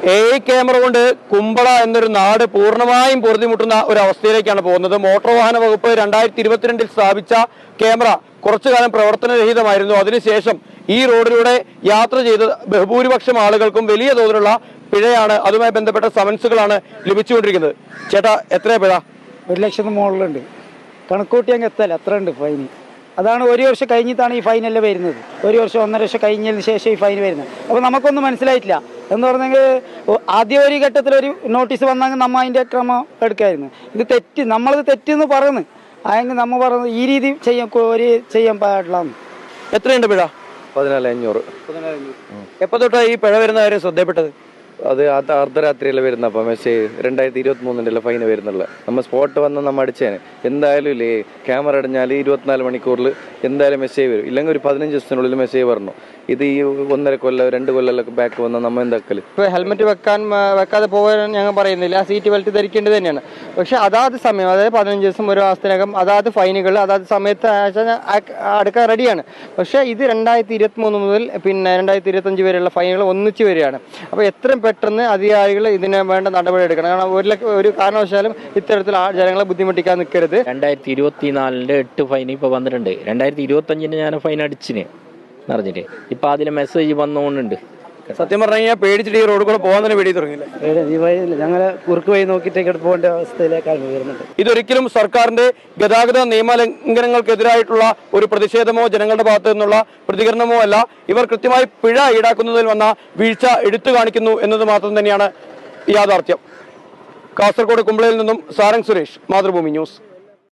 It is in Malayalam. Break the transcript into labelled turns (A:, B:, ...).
A: AI ക്യാമറ കൊണ്ട് കുമ്പള എന്നൊരു നാട് പൂർണ്ണമായും പൊറുതിമുട്ടുന്ന ഒരു അവസ്ഥയിലേക്കാണ് പോകുന്നത്. മോട്ടോർ വാഹന വകുപ്പ് 2022 സ്ഥാപിച്ച ക്യാമറ കുറച്ചു കാലം പ്രവർത്തനരഹിതമായിരുന്നു. അതിനുശേഷം ഈ റോഡിലൂടെ യാത്ര ചെയ്ത ബഹുഭൂരിപക്ഷം ആളുകൾക്കും വലിയ തോതിലുള്ള പിഴയാണ്, അതുമായി ബന്ധപ്പെട്ട സമൻസുകളാണ് ലഭിച്ചുകൊണ്ടിരിക്കുന്നത്. ചേട്ടാ, എത്രയാ പിഴ?
B: 1,00,000 മുകളിലുണ്ട്. കണക്കൂട്ടി അങ്ങ് എത്തല്ല, അത്ര ഉണ്ട് ഫൈൻ. അതാണ് ഒരു വർഷം കഴിഞ്ഞിട്ടാണ് ഈ ഫൈനെല്ലാം വരുന്നത്. ഒരു വർഷം 1.5 വർഷം കഴിഞ്ഞതിന് ശേഷം ഈ ഫൈൻ വരുന്നത്. അപ്പോൾ നമുക്കൊന്നും മനസ്സിലായിട്ടില്ല എന്ന് പറഞ്ഞെങ്കിൽ ആദ്യ ഒരു ഘട്ടത്തിലൊരു നോട്ടീസ് വന്നെങ്കിൽ നമ്മൾ അതിൻ്റെ ക്രമം എടുക്കായിരുന്നു. ഇത് തെറ്റ്, നമ്മളത് തെറ്റെന്ന് പറയുന്നു. അതെങ്കിൽ നമ്മൾ പറയുന്നത് ഈ രീതി ചെയ്യാൻ പാടില്ല.
A: എത്രയുണ്ട് പിഴ?
C: 14,500.
A: എപ്പോൾ തൊട്ടാണ് ഈ പിഴ വരുന്ന കാര്യം ശ്രദ്ധപ്പെട്ടത്?
C: അത് അർദ്ധരാത്രിയിൽ വരുന്ന അപ്പം മെസ്സേജ് 2023 ഫൈന് വരുന്നുള്ള. നമ്മൾ സ്പോട്ട് വന്ന് നമ്മൾ അടിച്ചേനെ. എന്തായാലും ഇല്ലേ, ക്യാമറ അടിഞ്ഞാൽ 24 മണിക്കൂറിൽ എന്തായാലും മെസ്സേജ് വരും. ഇല്ലെങ്കിൽ ഒരു 15 ദിവസത്തിനുള്ളിൽ മെസ്സേജ് വരണം. ഇത് ഈ 1.5 കൊല്ലം 2 കൊല്ലമൊക്കെ ബാക്ക് വന്നാൽ നമ്മൾ എന്താക്കല്?
D: ഇപ്പോൾ ഹെൽമെറ്റ് വെക്കാതെ പോകാൻ ഞങ്ങൾ പറയുന്നില്ല, സീറ്റ് ബെൽറ്റ് ധരിക്കേണ്ടത് തന്നെയാണ്. പക്ഷേ അതാത് സമയം, അതായത് 15 ദിവസം ഒരു മാസത്തിനകം അതാത് ഫൈനുകൾ അതാത് സമയത്ത് അടുക്കാൻ റെഡിയാണ്. പക്ഷേ ഇത് 2023 മുതൽ പിന്നെ 2025 വരെയുള്ള ഫൈനുകൾ ഒന്നിച്ച് വരികയാണ്. അപ്പോൾ എത്രയും പെട്ടെന്ന് അധികാരികൾ ഇതിന് വേണ്ട നടപടി എടുക്കണം. കാരണം ഒരു കാരണവശാലും ഇത്തരത്തിൽ ജനങ്ങളെ ബുദ്ധിമുട്ടിക്കാൻ നിൽക്കരുത്.
E: 2024 8 ഫൈൻ ഇപ്പോൾ വന്നിട്ടുണ്ട്. 2025 ഞാൻ ഫൈൻ അടിച്ചിന് അറിഞ്ഞിട്ട്. ഇപ്പൊ അതിലെ മെസ്സേജ് വന്നുകൊണ്ടുണ്ട്.
A: സത്യം പറഞ്ഞു കഴിഞ്ഞാൽ പേടിച്ചിട്ട് ഈ റോഡ് കൂടെ പോകാൻ തന്നെ പേടി തുടങ്ങിയില്ല.
B: ഈ വഴി ഞങ്ങളെ കുറുക്ക് വഴി നോക്കിയിട്ടേക്ക് പോകേണ്ട അവസ്ഥയിലേക്കാണ് വരുന്നത്.
A: ഇതൊരിക്കലും സർക്കാരിന്റെ ഗതാഗത നിയമലംഘനങ്ങൾക്കെതിരായിട്ടുള്ള ഒരു പ്രതിഷേധമോ ജനങ്ങളുടെ ഭാഗത്തു നിന്നുള്ള പ്രതികരണമോ അല്ല. ഇവർ കൃത്യമായി പിഴ ഈടാക്കുന്നതിൽ വന്ന വീഴ്ച എടുത്തു കാണിക്കുന്നു എന്നത് മാത്രം തന്നെയാണ് യാഥാർത്ഥ്യം. കാസർഗോഡ് കുമ്പളയിൽ നിന്നും സാരംഗ് സുരേഷ്, മാതൃഭൂമി ന്യൂസ്.